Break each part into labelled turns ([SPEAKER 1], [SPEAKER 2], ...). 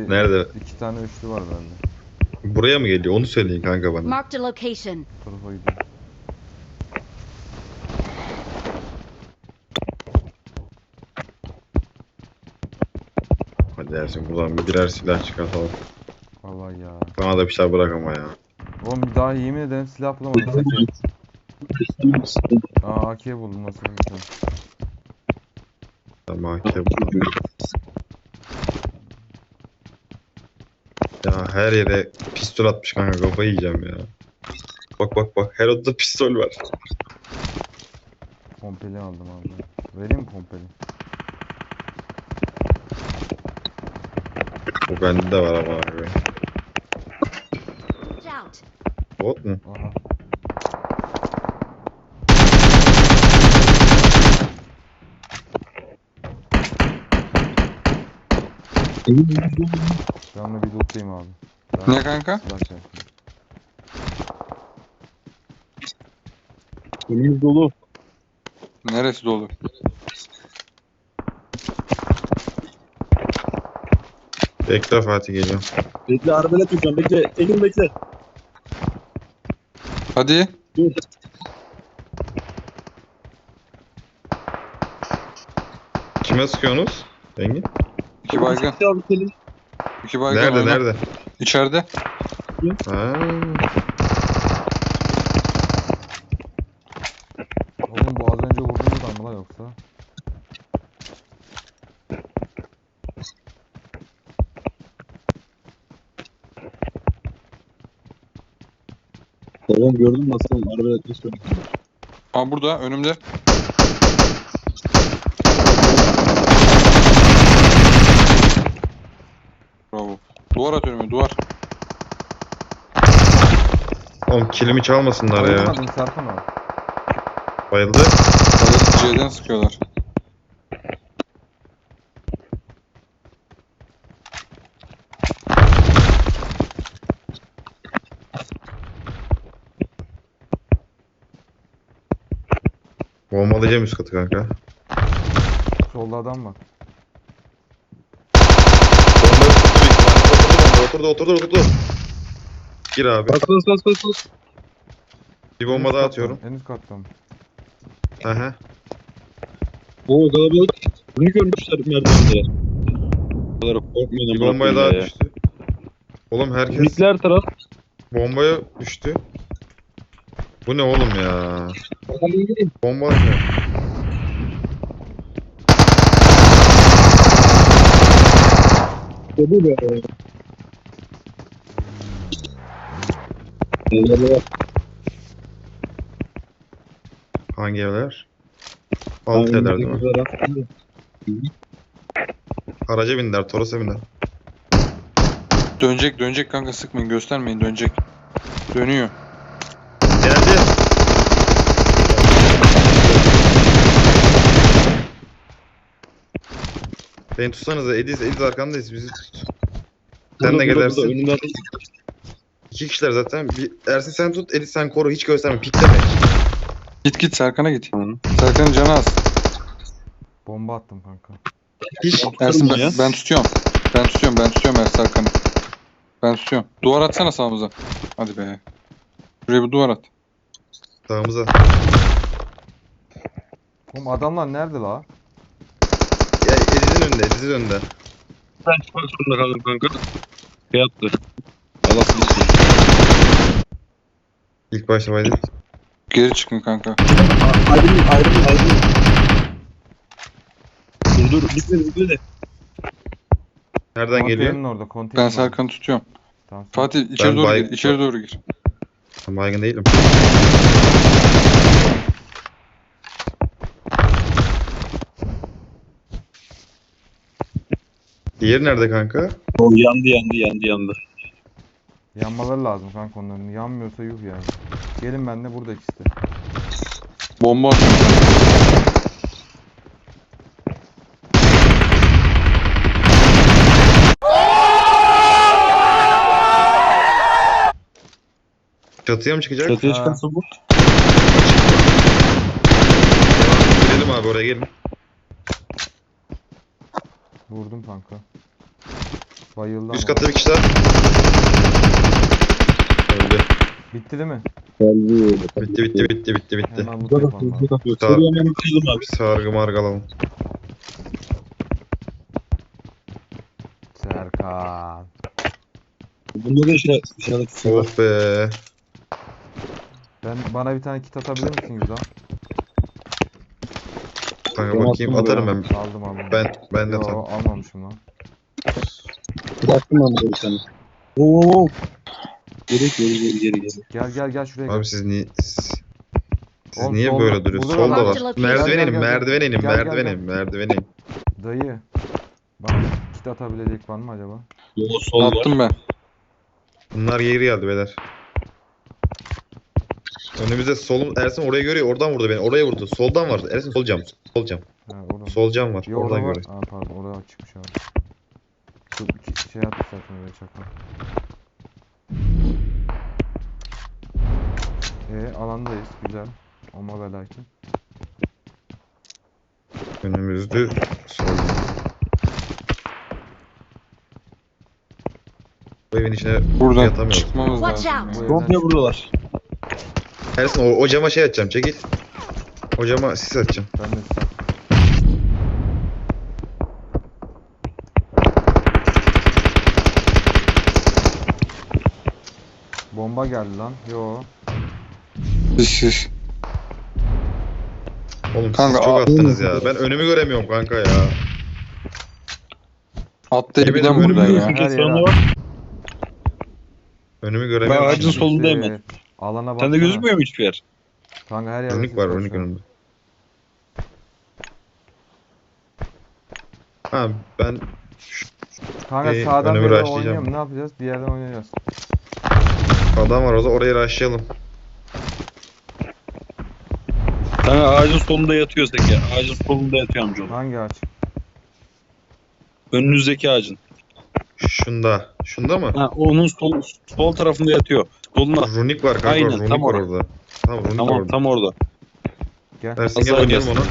[SPEAKER 1] Nerede?
[SPEAKER 2] 2 tane üçlü var bende.
[SPEAKER 1] Buraya mı geliyor? Onu söyleyin kanka bana.
[SPEAKER 3] Marked a location.
[SPEAKER 2] Bu tarafa gidiyor.
[SPEAKER 1] Hadi Ersin buradan birer silah çıkartalım.
[SPEAKER 2] Vallahi ya.
[SPEAKER 1] Bana da bir şey bırak ama ya.
[SPEAKER 2] Oğlum bir daha yemin ederim silah bulamadım. Aa AK buldum nasıl güzel.
[SPEAKER 1] Tamam ya her yere pistol atmış kanka, kafayı yiyeceğim ya. Bak her odada pistol var.
[SPEAKER 2] Pompeli aldım abi. Vereyim mi pompeli?
[SPEAKER 1] Bu bende de var ama abi.
[SPEAKER 3] Watch out.
[SPEAKER 1] Bot mu?
[SPEAKER 2] Aha. Ben de bir lootlayayım abi.
[SPEAKER 4] Ne kanka?
[SPEAKER 2] Silah çektim.
[SPEAKER 5] Önümüz dolu.
[SPEAKER 4] Neresi dolu?
[SPEAKER 1] Bekle Fatih geliyor.
[SPEAKER 5] Bekle arabayla tutacağım. Bekle. Elim bekle.
[SPEAKER 4] Hadi.
[SPEAKER 5] Dur.
[SPEAKER 1] Kime sıkıyorsunuz? Engin?
[SPEAKER 4] 2 baygın.
[SPEAKER 5] Abi Selim.
[SPEAKER 4] 2 baygın.
[SPEAKER 1] Nerede
[SPEAKER 4] oyna.
[SPEAKER 1] nerede?
[SPEAKER 4] İçeride.
[SPEAKER 1] Ha.
[SPEAKER 2] Oğlum bu az önce vurduğumuz adam mı la yoksa?
[SPEAKER 5] Tamam gördün mü aslanım? Arabayla tutacağım.
[SPEAKER 4] Aa burada önümde. Bravo. Duvar at önüme duvar.
[SPEAKER 1] Oğlum kilimi çalmasınlar ya.
[SPEAKER 2] Bayılmadın Serkan abi.
[SPEAKER 1] Bayıldı.
[SPEAKER 4] Hadi C'den sıkıyorlar.
[SPEAKER 1] Bombalayacağım üst katı kanka.
[SPEAKER 2] Solda adam var.
[SPEAKER 1] Bombayı tuttu büyük ihtimalle. Oturdu. Gir abi.
[SPEAKER 5] Bas.
[SPEAKER 1] Bir bomba daha atıyorum.
[SPEAKER 2] En üst kattan.
[SPEAKER 1] Aha.
[SPEAKER 5] Oo kalabalık. Bunu görmüşler merdivende. Bu kadar korkmayın.
[SPEAKER 1] Bir bombaya daha düştü. Oğlum herkes
[SPEAKER 5] Unikler taraf.
[SPEAKER 1] bombaya düştü. Bu ne oğlum ya? Bomba atıyor.
[SPEAKER 5] Bu be. Eyvallah.
[SPEAKER 1] Hangi evler? Alt evler değil mi? Araca bindiler, Toros'a bindiler.
[SPEAKER 4] Dönecek kanka sıkmayın göstermeyin dönecek. Dönüyor.
[SPEAKER 1] Geldi. Beni tutsanıza, Ediz arkandayız, bizi tut. Sen de gelersin.
[SPEAKER 5] Önümde adam.
[SPEAKER 1] 2 kişiler zaten. Ersin sen tut, Ediz sen koru, hiç gösterme, pikleme.
[SPEAKER 4] Git Serkan'a git. Serkan'ın canı az.
[SPEAKER 2] Bomba attım kanka.
[SPEAKER 1] Hiç.
[SPEAKER 4] Ersin
[SPEAKER 5] ya.
[SPEAKER 4] ben tutuyorum. Ben tutuyorum Ersin Serkan'ı. Ben tutuyorum. Duvar atsana sağımıza. Hadi be. Şuraya bir duvar at.
[SPEAKER 1] Sağımıza.
[SPEAKER 2] Oğlum adamlar nerede la?
[SPEAKER 1] Ya Ediz'in önünde.
[SPEAKER 5] Ben çıkmak zorunda kaldım kanka. Şey yaptı. Allah silsin.
[SPEAKER 1] İlk başta baydı.
[SPEAKER 4] Geri çıkın kanka.
[SPEAKER 5] Ayrılın. Dur. Bitmedi.
[SPEAKER 1] Nereden geliyor?
[SPEAKER 2] Konteynerin orada konteyner.
[SPEAKER 4] Ben Serkan'ı tutuyorum.
[SPEAKER 2] Tamam.
[SPEAKER 4] Fatih içeri
[SPEAKER 1] Ben
[SPEAKER 4] doğru
[SPEAKER 1] bay-
[SPEAKER 4] gir. İçeri doğru gir.
[SPEAKER 1] Ben baygın değilim. Diğeri nerede kanka?
[SPEAKER 5] O yandı.
[SPEAKER 2] Yanmaları lazım kanka onların. Yanmıyorsa yuh yani. Gelin benimle burada ikisi de.
[SPEAKER 4] Bomba atın.
[SPEAKER 1] Çatıya mı çıkacak?
[SPEAKER 5] Çatıya
[SPEAKER 2] Ha.
[SPEAKER 5] çıkarsa bu.
[SPEAKER 1] Girelim abi, oraya gelin.
[SPEAKER 2] Vurdum kanka. Bayıldı
[SPEAKER 1] Üst
[SPEAKER 2] ama.
[SPEAKER 1] katta bir kişi daha. Öldü.
[SPEAKER 2] Bitti değil mi?
[SPEAKER 1] Bitti.
[SPEAKER 2] Hemen loot yapalım abi.
[SPEAKER 5] Şuraya hemen kırdım abi.
[SPEAKER 1] Sargı margı alalım.
[SPEAKER 2] Serkan.
[SPEAKER 5] Bunda da işaret var.
[SPEAKER 1] Oh be.
[SPEAKER 2] Bana bir tane kit atabilir misin Güzel?
[SPEAKER 1] Kanka
[SPEAKER 5] Ben
[SPEAKER 1] bakayım
[SPEAKER 5] attım
[SPEAKER 1] atarım
[SPEAKER 5] buraya.
[SPEAKER 1] ben.
[SPEAKER 2] Aldım.
[SPEAKER 1] Ben de
[SPEAKER 2] Yo,
[SPEAKER 1] atarım.
[SPEAKER 2] almamışım lan.
[SPEAKER 5] Bıraktım ben burada bir tane. Oo. Geri.
[SPEAKER 2] Gel şuraya gel.
[SPEAKER 1] Abi siz
[SPEAKER 2] Oğlum,
[SPEAKER 1] niye
[SPEAKER 2] solda-
[SPEAKER 1] böyle duruyorsunuz?
[SPEAKER 2] burada da
[SPEAKER 1] Solda
[SPEAKER 2] var.
[SPEAKER 1] var.
[SPEAKER 3] Gel,
[SPEAKER 1] Merdiven
[SPEAKER 2] gel,
[SPEAKER 1] inin,
[SPEAKER 2] gel.
[SPEAKER 1] merdiven in.
[SPEAKER 2] Dayı. Bana kit atabilecek var mı acaba?
[SPEAKER 5] O sol var.
[SPEAKER 4] Attım ben.
[SPEAKER 1] Bunlar geri geldi beyler. Önümüzde solum Ersin oraya görüyor. Oradan vurdu beni. Oraya vurdu. Soldan var. Ersin sol cam.
[SPEAKER 2] Ha, orada mı?
[SPEAKER 1] Sol cam var.
[SPEAKER 2] Yo,
[SPEAKER 1] Oradan
[SPEAKER 2] orada var.
[SPEAKER 1] görüyor.
[SPEAKER 2] Aa, pardon orada çıkmış abi. Şu iki şey atmış zaten oraya çakma. Alandayız. Güzel. Ama ve lakin.
[SPEAKER 1] Önümüzde sol. Bu evin içine
[SPEAKER 4] Buradan
[SPEAKER 1] yatamıyoruz.
[SPEAKER 4] çıkmamız
[SPEAKER 3] Watch
[SPEAKER 4] lazım.
[SPEAKER 3] out.
[SPEAKER 2] Bu evden
[SPEAKER 5] Komple buradalar.
[SPEAKER 1] Ersin o cama şey atacağım. Çekil. O cama sis atacağım.
[SPEAKER 2] ben de size. Bomba geldi lan. Yo.
[SPEAKER 4] Şiş.
[SPEAKER 1] Oğlum
[SPEAKER 4] Kanka,
[SPEAKER 1] siz çok
[SPEAKER 4] aa,
[SPEAKER 1] attınız ya. Ben önümü göremiyorum kanka ya.
[SPEAKER 4] Atlayıp
[SPEAKER 1] Yemin
[SPEAKER 4] giden
[SPEAKER 1] ederim
[SPEAKER 4] buradan
[SPEAKER 5] Biliyorsun
[SPEAKER 4] ya.
[SPEAKER 5] ki
[SPEAKER 2] Her
[SPEAKER 5] sonra
[SPEAKER 2] yere-
[SPEAKER 5] var.
[SPEAKER 1] Önümü
[SPEAKER 5] Ben
[SPEAKER 1] göremiyorum.
[SPEAKER 5] ağacın
[SPEAKER 1] şimdi.
[SPEAKER 5] solundayım ben.
[SPEAKER 2] Alana bak.
[SPEAKER 5] Sende gözükmüyor mu hiçbir yer?
[SPEAKER 2] Kanka her yerde
[SPEAKER 1] Runik
[SPEAKER 2] sis
[SPEAKER 1] var,
[SPEAKER 2] şu
[SPEAKER 1] runik
[SPEAKER 2] an.
[SPEAKER 1] önümde. Ha ben
[SPEAKER 2] Kanka
[SPEAKER 1] Şey,
[SPEAKER 2] sağdan
[SPEAKER 1] önümü
[SPEAKER 2] beri
[SPEAKER 1] rushlayacağım.
[SPEAKER 2] oynayalım. Ne yapacağız? Bir yerden oynayacağız.
[SPEAKER 1] adam var orada orayı rushlayalım.
[SPEAKER 5] Kanka ağacın solunda yatıyor Zeki. Ağacın solunda yatıyor amcaoğlu.
[SPEAKER 2] Hangi ağaç?
[SPEAKER 5] Önünüzdeki ağacın.
[SPEAKER 1] Şunda. Şunda mı?
[SPEAKER 5] Ha, onun sol tarafında yatıyor. Soluna.
[SPEAKER 1] Runik var kanka.
[SPEAKER 5] Aynen,
[SPEAKER 1] Runik
[SPEAKER 5] tam
[SPEAKER 1] var
[SPEAKER 5] orada.
[SPEAKER 1] orada. Tamam runik var
[SPEAKER 5] Tamam
[SPEAKER 1] orada.
[SPEAKER 5] tam orada.
[SPEAKER 2] Gel.
[SPEAKER 1] Ersin
[SPEAKER 5] Az
[SPEAKER 1] gel
[SPEAKER 5] daha
[SPEAKER 1] oynayalım
[SPEAKER 5] gelsin.
[SPEAKER 1] onu.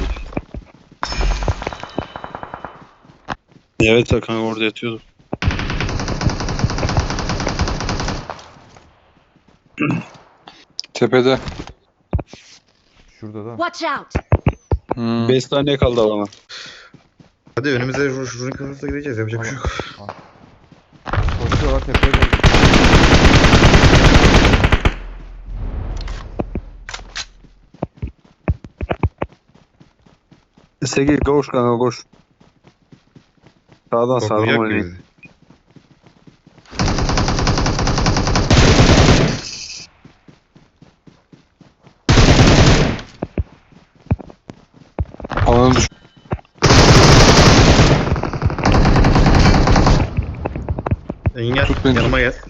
[SPEAKER 5] Evet kanka orada yatıyordu.
[SPEAKER 4] Tepede.
[SPEAKER 2] Şurada da.
[SPEAKER 3] Watch out!
[SPEAKER 5] 5 saniye kaldı bana.
[SPEAKER 1] Hadi önümüze runik hızla gideceğiz. Yapacak bir şey yok.
[SPEAKER 2] Koşuyorlar tepeye doğru.
[SPEAKER 5] Segi koş kanka koş. Sağdan
[SPEAKER 1] Koklayacak mı bizi?
[SPEAKER 4] Alanı düş.
[SPEAKER 1] Engin
[SPEAKER 4] Tut beni.
[SPEAKER 1] yanıma gel.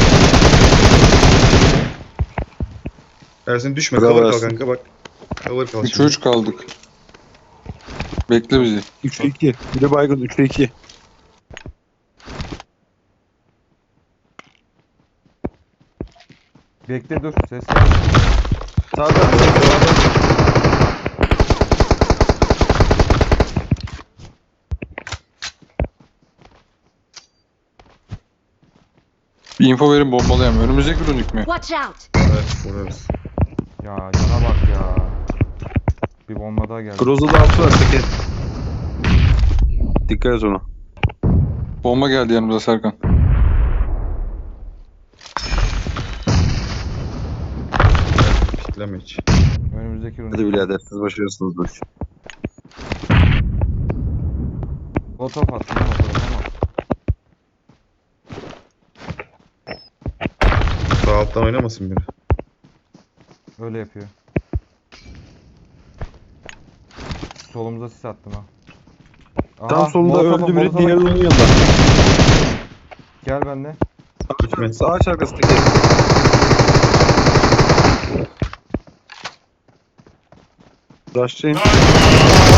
[SPEAKER 1] Ersin düşme.
[SPEAKER 5] Bravo
[SPEAKER 1] Cover kal
[SPEAKER 5] Ersin.
[SPEAKER 1] kanka bak. Cover kal
[SPEAKER 4] 3'e
[SPEAKER 1] şimdi.
[SPEAKER 4] 3 kaldık. Bekle bizi.
[SPEAKER 5] 3'e 2. Bir de baygın 3'e 2.
[SPEAKER 2] Bekle dur. Ses ver.
[SPEAKER 5] Sağdan.
[SPEAKER 4] Bir info verin bombalayalım. Önümüzdeki runik mi?
[SPEAKER 3] Watch out!
[SPEAKER 1] Evet vurarız.
[SPEAKER 2] Ya cana bak ya. Bir bomba daha geldi.
[SPEAKER 5] Groza'da altı var Segi. Dikkat et ona.
[SPEAKER 4] Bomba geldi yanımıza Serkan.
[SPEAKER 1] Pikleme hiç.
[SPEAKER 2] Önümüzdeki runik.
[SPEAKER 5] Hadi birader siz başarıyorsunuz bu işi.
[SPEAKER 2] Otop attım ama ama.
[SPEAKER 1] Sağ alttan oynamasın biri.
[SPEAKER 2] Öyle yapıyor. Solumuza sis attım ha. Aha,
[SPEAKER 5] Tam solunda
[SPEAKER 2] Molotof'a-
[SPEAKER 5] öldü biri
[SPEAKER 2] Molotof'a-
[SPEAKER 5] diğeri onun yanında.
[SPEAKER 2] Gel benimle.
[SPEAKER 1] Gitme.
[SPEAKER 5] Sağ ağaç arkasındaki. Rushlayın.